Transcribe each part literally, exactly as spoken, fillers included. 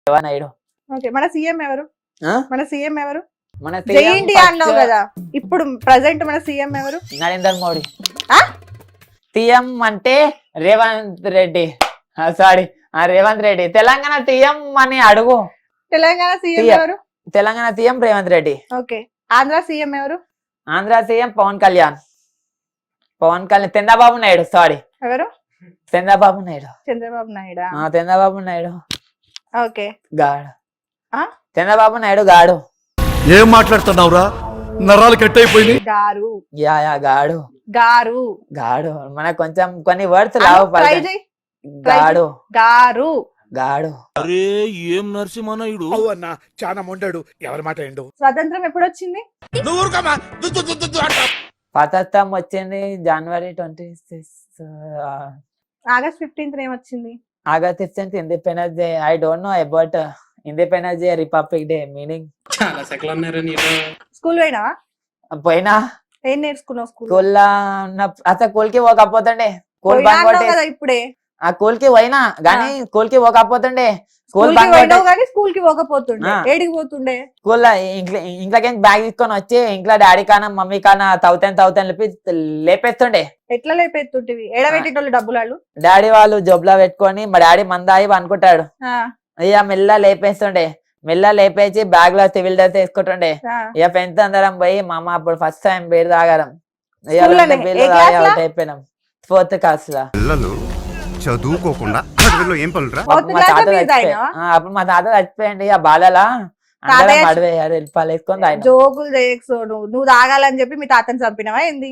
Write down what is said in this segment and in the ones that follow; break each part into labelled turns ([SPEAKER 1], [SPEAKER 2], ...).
[SPEAKER 1] Naidu.
[SPEAKER 2] Okay, మన CM ఎవరు?
[SPEAKER 1] ఆ?
[SPEAKER 2] మన సీఎం ఎవరు?
[SPEAKER 1] మన
[SPEAKER 2] జై ఇండియా అన్నావు కదా, ఇప్పుడు ప్రెసెంట్ మన సీఎం ఎవరు?
[SPEAKER 1] నరేంద్ర మోడీ.
[SPEAKER 2] ఆ?
[SPEAKER 1] సీఎం అంటే రేవంత్ రెడ్డి. సారీ రేవంత్ రెడ్డి. తెలంగాణ సీఎం అని అడుగు.
[SPEAKER 2] Telangana CM
[SPEAKER 1] CM.
[SPEAKER 2] ఎవరు?
[SPEAKER 1] Telangana CM Revanth Reddy.
[SPEAKER 2] Okay, Andhra CM ఎవరు?
[SPEAKER 1] ఆంధ్ర సీఎం పవన్ కళ్యాణ్. పవన్ కళ్యాణ్. చంద్రబాబు నాయుడు. సారీ,
[SPEAKER 2] ఎవరు?
[SPEAKER 1] చంద్రబాబు నాయుడు.
[SPEAKER 2] చంద్రబాబు నాయుడా?
[SPEAKER 1] ఆ, చంద్రబాబు నాయుడు
[SPEAKER 2] ఓకే,
[SPEAKER 1] గాడు.
[SPEAKER 2] ఆ?
[SPEAKER 1] చంద్రబాబు నాయుడు గాడు.
[SPEAKER 3] ఏం మాట్లాడుతున్నావురా, నరాలు కట్ అయిపోయింది.
[SPEAKER 2] గారు.
[SPEAKER 1] యా యా గాడు
[SPEAKER 2] గారు.
[SPEAKER 1] గాడు. మనకు కొంచెం కొన్ని వర్డ్స్ లావు.
[SPEAKER 2] ట్రై చేయి.
[SPEAKER 1] గాడు
[SPEAKER 2] గారు.
[SPEAKER 1] గాడు.
[SPEAKER 3] అరే ఏం నరసింహనాయుడు అన్న, చాలా మొండాడు. ఎవరి మాట ఏండు?
[SPEAKER 2] స్వతంత్రం ఎప్పుడు వచ్చింది?
[SPEAKER 1] స్వాతంత్రం వచ్చింది జనవరి ట్వంటీ సిక్స్
[SPEAKER 2] ఆగస్ట్ ఫిఫ్టీన్త్ ఏమొచ్చింది?
[SPEAKER 1] August fifteenth Independence Day. I don't know about Independence Day, Republic Day meaning.
[SPEAKER 4] చాలా సెకలు అన్నారు నీలో.
[SPEAKER 2] స్కూల్ పోయినావా?
[SPEAKER 1] పోయినా.
[SPEAKER 2] ఏం నేర్చుకున్నావు స్కూల్?
[SPEAKER 1] స్కూల్ అసలు స్కూల్ కి పోకపోతుండే. స్కూల్ బంక్ కొట్టే
[SPEAKER 2] కదా ఇప్పుడే.
[SPEAKER 1] ఆ స్కూల్ కి పోయినా గానీ స్కూల్ కి పోకపోతుండే. స్కూల్
[SPEAKER 2] స్కూల్ కి పోయినావు కానీ స్కూల్ కి పోకపోతుండే. ఏడికి పోతుండే?
[SPEAKER 1] స్కూల్ ఇంట్లో ఇంట్లోకి బ్యాగ్ తీసుకొని వచ్చి ఇంట్లో డాడీ కానా మమ్మీ కానా తవ్వుతాను తవ్వుతాను లేపి లేపేస్తుండే.
[SPEAKER 2] ఎట్లా లేపేస్తుంటివి? ఏడబెట్టేటోళ్ళు డబ్బులు వాళ్ళు?
[SPEAKER 1] డాడీ వాళ్ళు జోబులో పెట్టుకొని మా డాడీ మందాయి అనుకుంటాడు. అయ్యా మెల్ల లేపేస్తుండే. మెల్ల లేపేసి బ్యాగ్ లో సివిల్ డ్రెస్ వేసుకుంటుండే. ఇక ఫ్రెండ్స్ అందరం పోయి మా అమ్మ అప్పుడు ఫస్ట్ టైం బీర్ తాగడం. అవుట్ అయిపోయినాం ఫోర్త్ క్లాస్ లో.
[SPEAKER 5] చదువుకోకుండా చదువులో ఏం పనులురా?
[SPEAKER 1] అప్పుడు మా తాత అప్పుడు మా తాత చచ్చిపోయండి ఆ బాధలా. అందరం పడిపోయారు వెళ్ళిపాలు వేసుకొని తాగినాం.
[SPEAKER 2] జోకులు చేయకు. నువ్వు నువ్వు తాగాలని చెప్పి మీ తాతని చంపినవా ఏంది?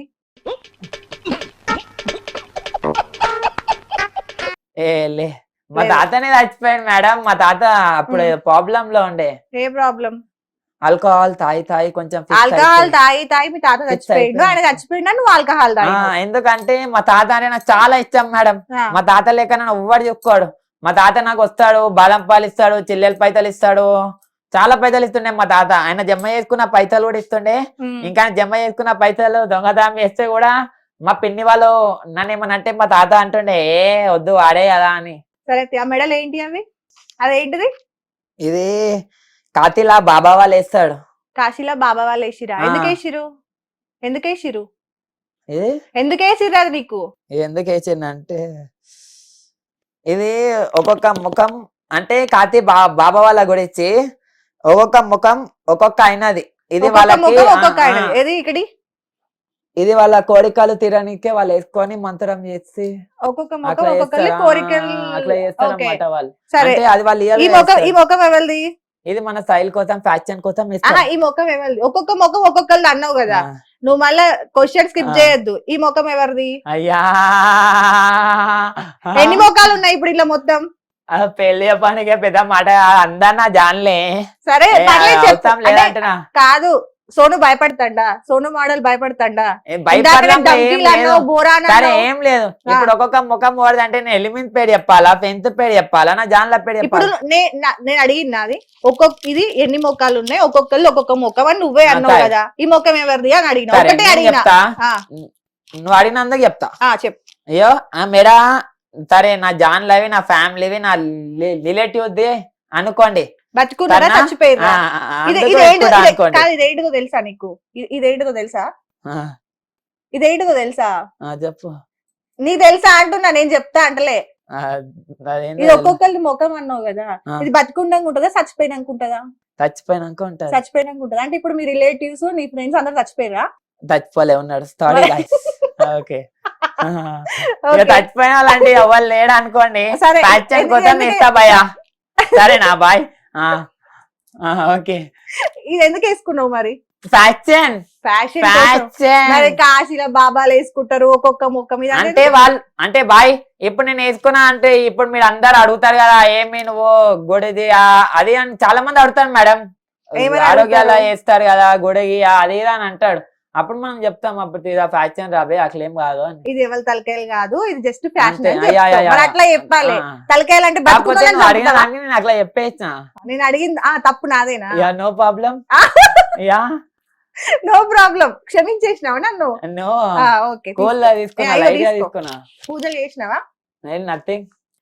[SPEAKER 1] ఏ లే, మా తాతనే చచ్చిపోయాడు మేడం. మా తాత అప్పుడు ప్రాబ్లం లో ఉండే.
[SPEAKER 2] ఏ ప్రాబ్లం?
[SPEAKER 1] ఆల్కహాల్ తాగి తాగి కొంచెం
[SPEAKER 2] ఆల్కహాల్ తాగి తాగి మీ తాత చచ్చిపోయిండు. ఆయన చచ్చిపోయినా నువ్వు ఆల్కహాల్ తాగి.
[SPEAKER 1] ఎందుకంటే మా తాత అంటే నాకు చాలా ఇష్టం మేడం. మా తాత లేక నన్ను ఎవ్వడు చెప్పుకోడు. మా తాత నాకు వస్తాడు, బాదం పాలు ఇస్తాడు, చెల్లెలు పైసలు ఇస్తాడు, చాలా పైసలు ఇస్తుండే మా తాత. ఆయన జమ చేసుకున్న పైసలు కూడా ఇస్తుండే. ఇంకా జమ చేసుకున్న పైసలు దొంగతనం చేస్తే కూడా మా పిన్ని వాళ్ళు నన్ను ఏమనంటే మా తాత అంటుండే ఏ వద్దు వాడే కదా అని.
[SPEAKER 2] సరే, ఆ మెడల్ ఏంటి అవి? అదేంటిది?
[SPEAKER 1] ఇది కాతిలా బాబా వాళ్ళు వేస్తాడు.
[SPEAKER 2] కాశీలా బాబా వాళ్ళు వేసిరా? ఎందుకు వేసిరు? ఎందుకు వేసిరు?
[SPEAKER 1] ఇది
[SPEAKER 2] ఎందుకు వేసిరు అది నీకు?
[SPEAKER 1] ఎందుకు వేసిందంటే ఇది ఒక్కొక్క ముఖం అంటే కాతి బా బాబా వాళ్ళ గురించి ఒక్కొక్క ముఖం ఒక్కొక్క అయినది. ఇది వాళ్ళకి ఇది వాళ్ళ కోరికలు తీరనికే వాళ్ళు వేసుకొని మంత్రం చేసి
[SPEAKER 2] ఒక్కొక్క ముఖం ఒక్కొక్కరి కోరికలు
[SPEAKER 1] అట్లా చేస్తారు అన్నమాట వాళ్ళు.
[SPEAKER 2] సరే,
[SPEAKER 1] అది వాళ్ళు
[SPEAKER 2] ఈ ముఖం ఈ ముఖం ఎవరిది?
[SPEAKER 1] ఇది మన స్టైల్ కోసం ఫ్యాషన్ కోసం.
[SPEAKER 2] ఈ ముఖం ఎవరిది? ఒక్కొక్క ముఖం ఒక్కొక్కరిది అన్నావు కదా, నువ్వు మళ్ళా క్వశ్చన్ స్కిప్ చేయొద్దు. ఈ ముఖం ఎవరిది?
[SPEAKER 1] అయ్యా
[SPEAKER 2] ఎన్ని ముఖాలు ఉన్నాయి ఇప్పుడు ఇలా మొత్తం?
[SPEAKER 1] పెళ్లి పనికి పెద్ద మాట అందన్నా జాన్లే.
[SPEAKER 2] సరే కాదు, సోను భయపడతాడా? సోను మోడల్ భయపడతాడా?
[SPEAKER 1] సరే ఏం లేదు. ఇప్పుడు ఒక్కొక్క ముఖం పోడదు అంటే నేను ఎలిమెంట్ పేరు చెప్పాలా, పెంత్ పేరు చెప్పాలా, నా జాన్ల పేరు చెప్పాలా?
[SPEAKER 2] ఇప్పుడు నేను అడిగినది ఒక్కొక్క ఇది ఎన్ని ముఖాలు ఉన్నాయి, ఒక్కొక్కళ్ళు ఒక్కొక్క ముఖం అని నువ్వే అన్నావు కదా. ఈ ముఖం ఎవరిది అని అడిగినా. ఒకటే అడిగినా.
[SPEAKER 1] నువ్వు అడిగినందుకు చెప్తా.
[SPEAKER 2] చెప్పు.
[SPEAKER 1] అయ్యో మేడా సరే, నా జాన్లవి నా ఫ్యామిలీవి నా రిలేటివ్ది అనుకోండి.
[SPEAKER 2] బతుకున్నారా చచ్చిపోయినా? ఇదేంటిదో తెలుసా నీకు? ఇదేంటిదో తెలుసా? ఇదేంటిదో తెలుసా?
[SPEAKER 1] చెప్పు.
[SPEAKER 2] నీకు తెలుసా అంటున్నా, నేను చెప్తా అంటలే. ఇది ఒక్కొక్కరి ముఖం అన్నావు కదా, ఇది బతుకుండాక ఉంటుందా చచ్చిపోయినాక ఉంటుందా?
[SPEAKER 1] చచ్చిపోయినాక ఉంటుంది.
[SPEAKER 2] చచ్చిపోయినాక ఉంటుంది అంటే ఇప్పుడు మీ రిలేటివ్స్ నీ ఫ్రెండ్స్ అందరు చచ్చిపోయినా?
[SPEAKER 1] చచ్చిపోలే ఉన్నాడు. ఓకే, చచ్చిపోయిన వాళ్ళంటే ఎవరు లేడు అనుకోండి. ఫ్యాషన్ కోసం ఇస్తా భయ్యా. సరేనా బాయ్? ఓకే,
[SPEAKER 2] ఇది ఎందుకు వేసుకున్నావు మరి?
[SPEAKER 1] ఫ్యాషన్
[SPEAKER 2] ఫ్యాషన్ ఫ్యాషన్ కాశీలో బాబాలు వేసుకుంటారు ఒక్కొక్క ముఖం మీద.
[SPEAKER 1] అంటే వాళ్ళు అంటే బాయ్ ఇప్పుడు నేను వేసుకున్నా అంటే ఇప్పుడు మీరు అందరు అడుగుతారు కదా ఏమి నువ్వు గుడిది అది అని చాలా మంది అడుగుతారు మేడం. ఆరోగ్యాలు వేస్తారు కదా గుడికి అది అని అంటాడు. అప్పుడు మనం చెప్తాం అప్పుడు ఫ్యాషన్ రాబే అట్లేం కాదు అని.
[SPEAKER 2] ఇది ఎవరి తలకాయలు కాదు, ఇది జస్ట్ ఫ్యాషన్. అట్లా చెప్పాలి. తలకాయలు అంటే
[SPEAKER 1] నేను అట్లా చెప్పేసిన.
[SPEAKER 2] నేను అడిగింది తప్పు నాదేనా?
[SPEAKER 1] No problem. Ya
[SPEAKER 2] no problem. క్షమించేసినావా నన్ను?
[SPEAKER 1] నో. ఓకే, తీసుకున్నా.
[SPEAKER 2] పూజలు చేసినావా?
[SPEAKER 1] నథింగ్.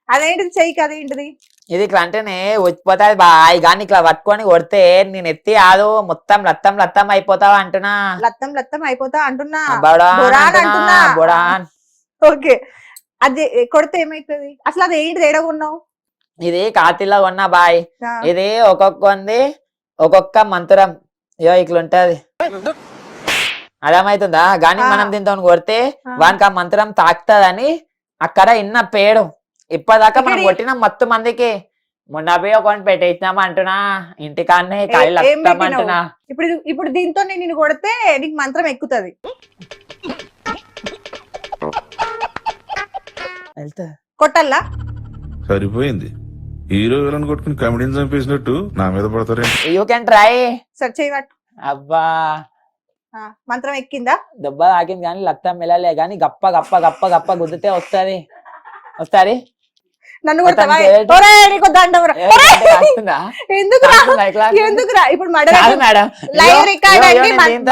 [SPEAKER 2] అదేంటిది చెయ్యి అదేంటిది
[SPEAKER 1] ఇది ఇట్లా అంటేనే వచ్చిపోతాది బాయ్, కానీ ఇట్లా పట్టుకొని కొడితే నేను ఎత్తి ఆదు మొత్తం లత్తం లత్తం అయిపోతావా అంటున్నా.
[SPEAKER 2] లత్తం లత్తం అయిపోతా అంటున్నా.
[SPEAKER 1] బొడాన్
[SPEAKER 2] బొడాన్
[SPEAKER 1] అంటున్నా,
[SPEAKER 2] అంటున్నా.
[SPEAKER 1] బొడాన్.
[SPEAKER 2] ఓకే, అది కొడితే ఏమైతుంది అసలు? అది ఏంటి తేడా కొన్నావు?
[SPEAKER 1] ఇది కాతిలో కొన్నా బాయ్.
[SPEAKER 2] ఆ,
[SPEAKER 1] ఇది ఒక్కొక్కంది ఒక్కొక్క మంత్రం ఇయో ఇట్లుంటది, అర్థమవుతుందా? గాని
[SPEAKER 2] ఆ.
[SPEAKER 1] మనం దీంతో కొడితే
[SPEAKER 2] ఆ.
[SPEAKER 1] వానికి ఆ మంత్రం తాకుతదని అక్కడ ఇన్న పేడు. ఇప్పటిదాకా మనం
[SPEAKER 2] ఇక్కడి-
[SPEAKER 1] కొట్టిన మొత్తం మందికి మొన్న పోయి ఒకటి పెట్టేసినాం అంటున్నా, ఇంటికాన్నే
[SPEAKER 2] ఏ-
[SPEAKER 1] కాయలు
[SPEAKER 2] ఏం
[SPEAKER 1] వస్తాం
[SPEAKER 2] పెట్టినావు?
[SPEAKER 1] అంటున్నా.
[SPEAKER 2] ఇప్పుడు ఇది- ఇప్పుడు దీంతో నేను నిన్ను కొడితే నీకు మంత్రం ఎక్కుతుంది.
[SPEAKER 1] వెళ్తా
[SPEAKER 2] కొట్టల్లా?
[SPEAKER 6] సరిపోయింది. హీరో విలన్ కొట్టుకుని కమెడీని చంపేసినట్టు నా మీద పడతారే.
[SPEAKER 1] You can try.
[SPEAKER 2] సరే చేయబట్టు.
[SPEAKER 1] అబ్బా
[SPEAKER 2] మంత్రం ఎక్కిందా?
[SPEAKER 1] దెబ్బ తాకింది కానీ లత్తం వెళ్ళలే, కానీ గప్ప గప్ప గప్ప గప్ప గుద్దితే వస్తుంది వస్తుంది.
[SPEAKER 2] నన్ను కొడతావా?
[SPEAKER 1] మొత్తం చేతి-
[SPEAKER 2] ఒరేయ్, నీకు దండం రా. ఎందుకురా ఎందుకురా? ఇప్పుడు మర్డర్
[SPEAKER 1] మేడం
[SPEAKER 2] లైవ్ రికార్డ్ అండి.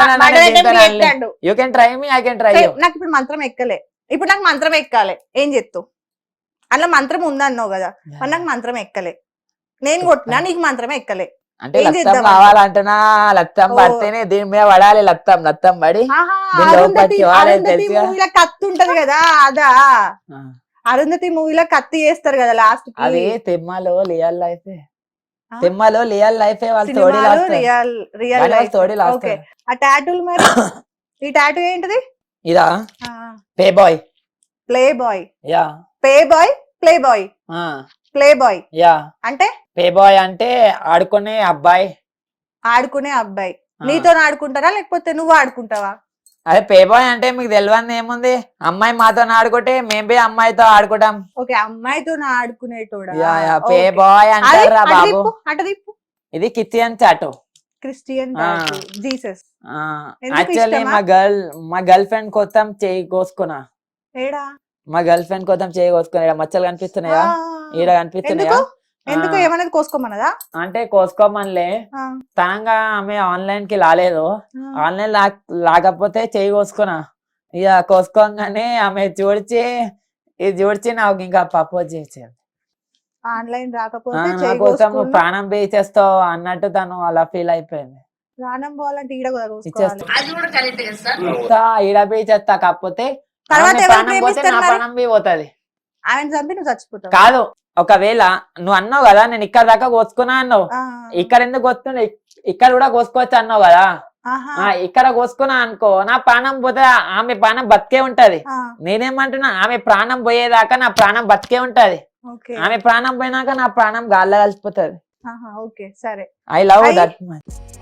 [SPEAKER 1] You can try me, I can try you.
[SPEAKER 2] నాకు ఇప్పుడు మంత్రం ఎక్కలే. ఇప్పుడు నాకు మంత్రం ఎక్కాలి. ఏం చెప్తావు? అందులో మంత్రం ఉందన్నావు కదా, మరి నాకు మంత్రం ఎక్కలే. నేను కొట్టినా, నీకు మంత్రం ఎక్కలే.
[SPEAKER 1] అంటే
[SPEAKER 2] ఏం
[SPEAKER 1] లత్తం
[SPEAKER 2] చేద్దాం?
[SPEAKER 1] కావాలంటున్నా, లత్తం
[SPEAKER 2] ఓ.
[SPEAKER 1] పడితేనే దీని మీద పడాలి. లత్తం లత్తం పడి
[SPEAKER 2] ఆహా,
[SPEAKER 1] దీనిలో
[SPEAKER 2] అరుంధతి
[SPEAKER 1] పచ్చి వాడే
[SPEAKER 2] అరుంధతి
[SPEAKER 1] తెలుసుగా.
[SPEAKER 2] మూవీలో కత్తి ఉంటది కదా, అదా?
[SPEAKER 1] ఆ.
[SPEAKER 2] అరుంధతి మూవీలో కత్తి చేస్తారు కదా లాస్ట్ కి.
[SPEAKER 1] అది తిమ్మలో రియల్ లైఫ్,
[SPEAKER 2] ఆ?
[SPEAKER 1] తిమ్మలో రియల్ లైఫ్ వాళ్ళు తోడి
[SPEAKER 2] సినిమాలో
[SPEAKER 1] లాస్తారు.
[SPEAKER 2] రియల్ రియల్
[SPEAKER 1] కానీ వాళ్ళు
[SPEAKER 2] లైఫ్.
[SPEAKER 1] తోడి
[SPEAKER 2] ఓకే,
[SPEAKER 1] లాస్తారు.
[SPEAKER 2] ఆ టాటూలు మరి? ఈ టాటూ ఏంటిది?
[SPEAKER 1] ఇదా pay boy.
[SPEAKER 2] Playboy.
[SPEAKER 1] Ya
[SPEAKER 2] pay boy, playboy, playboy
[SPEAKER 1] ya
[SPEAKER 2] అంటే
[SPEAKER 1] పే బాయ్ అంటే ఆడుకునే అబ్బాయి.
[SPEAKER 2] ఆడుకునే అబ్బాయి.
[SPEAKER 1] ఆ.
[SPEAKER 2] నీతో ఆడుకుంటారా లేకపోతే నువ్వు ఆడుకుంటావా?
[SPEAKER 1] అదే పే బాయ్ అంటే మీకు తెలియదు ఏముంది, అమ్మాయి మాతో ఆడుకుంటే మేము పోయి అమ్మాయితో ఆడుకుంటాం.
[SPEAKER 2] ఓకే, అమ్మాయితో ఆడుకునేటోడా?
[SPEAKER 1] Ya ya pay
[SPEAKER 2] okay.
[SPEAKER 1] Boy
[SPEAKER 2] అది
[SPEAKER 1] అంటారా
[SPEAKER 2] అటు
[SPEAKER 1] బాబు.
[SPEAKER 2] తిప్పు, అటు తిప్పు.
[SPEAKER 1] ఇది కిచెన్ చాటు.
[SPEAKER 2] క్రిస్టియన్
[SPEAKER 1] ఆ.
[SPEAKER 2] జీసస్. ఎందుకు
[SPEAKER 1] యాక్చువల్లీ
[SPEAKER 2] ఇష్టమా?
[SPEAKER 1] మా గర్ల్ మా గర్ల్ ఫ్రెండ్ కోసం చేయి కోసుకున్నా.
[SPEAKER 2] ఏడా?
[SPEAKER 1] మా గర్ల్ ఫ్రెండ్ కోసం చేయి కోసుకున్నా. ఈడ మచ్చలు కనిపిస్తున్నాయా?
[SPEAKER 2] ఆ.
[SPEAKER 1] ఈడ కనిపిస్తున్నాయా?
[SPEAKER 2] ఎందుకు? ఎందుకు?
[SPEAKER 1] ఆ.
[SPEAKER 2] ఏమన్నది కోసుకోమన్నదా?
[SPEAKER 1] అంటే కోసుకోమనిలే,
[SPEAKER 2] ఆ.
[SPEAKER 1] తనంగా ఆమె ఆన్లైన్ కి రాలేదు.
[SPEAKER 2] ఆ.
[SPEAKER 1] ఆన్లైన్ లా లేకపోతే చేయి కోసుకున్నా. ఇక కోసుకోగానే ఆమె చూడిచి ఇది చూడిచి నాకు ఇంకా ప్రపోజ్ చేసేది.
[SPEAKER 2] ఆన్లైన్
[SPEAKER 1] ఆ,
[SPEAKER 2] రాకపోతే
[SPEAKER 1] నా
[SPEAKER 2] చేయి
[SPEAKER 1] కోసం నువ్వు
[SPEAKER 2] కోసుకున్నా.
[SPEAKER 1] ప్రాణం పే చేస్తావు అన్నట్టు తను అలా ఫీల్ అయిపోయింది.
[SPEAKER 2] ప్రాణం పోవాలంటే ఈడ కూడా కోసుకోవాలి.
[SPEAKER 1] ఇచ్చేస్తా ఈడ పే చేస్తా, కాకపోతే
[SPEAKER 2] తర్వాత
[SPEAKER 1] ఆమె
[SPEAKER 2] ఎవరు
[SPEAKER 1] ప్రాణం పోతే
[SPEAKER 2] ప్రేమిస్తారు
[SPEAKER 1] నా
[SPEAKER 2] మరి?
[SPEAKER 1] ప్రాణం బి పోతుంది.
[SPEAKER 2] ఆమెను చంపి నువ్వు చచ్చిపోతావు.
[SPEAKER 1] కాదు, ఒకవేళ నువ్వు అన్నావు కదా నేను ఇక్కడ దాకా కోసుకున్నా అన్నావు,
[SPEAKER 2] ఆ.
[SPEAKER 1] ఇక్కడ ఎందుకు కోసుకున్నా, ఇక్కడ కూడా కోసుకోవచ్చు అన్నావు కదా.
[SPEAKER 2] ఆహా.
[SPEAKER 1] ఆ ఇక్కడ కోసుకున్నా అనుకో, నా ప్రాణం పోతే ఆమె ప్రాణం బతికే ఉంటది.
[SPEAKER 2] ఆ.
[SPEAKER 1] నేనేమంటున్నా, ఆమె ప్రాణం పోయేదాకా నా ప్రాణం బతికే ఉంటది.
[SPEAKER 2] ఓకే.
[SPEAKER 1] ఆమె ప్రాణం పోయినాక నా ప్రాణం గాల్లో కలిసిపోతుంది.
[SPEAKER 2] ఆహా, ఓకే, సరే.
[SPEAKER 1] I love
[SPEAKER 2] I-
[SPEAKER 1] that much.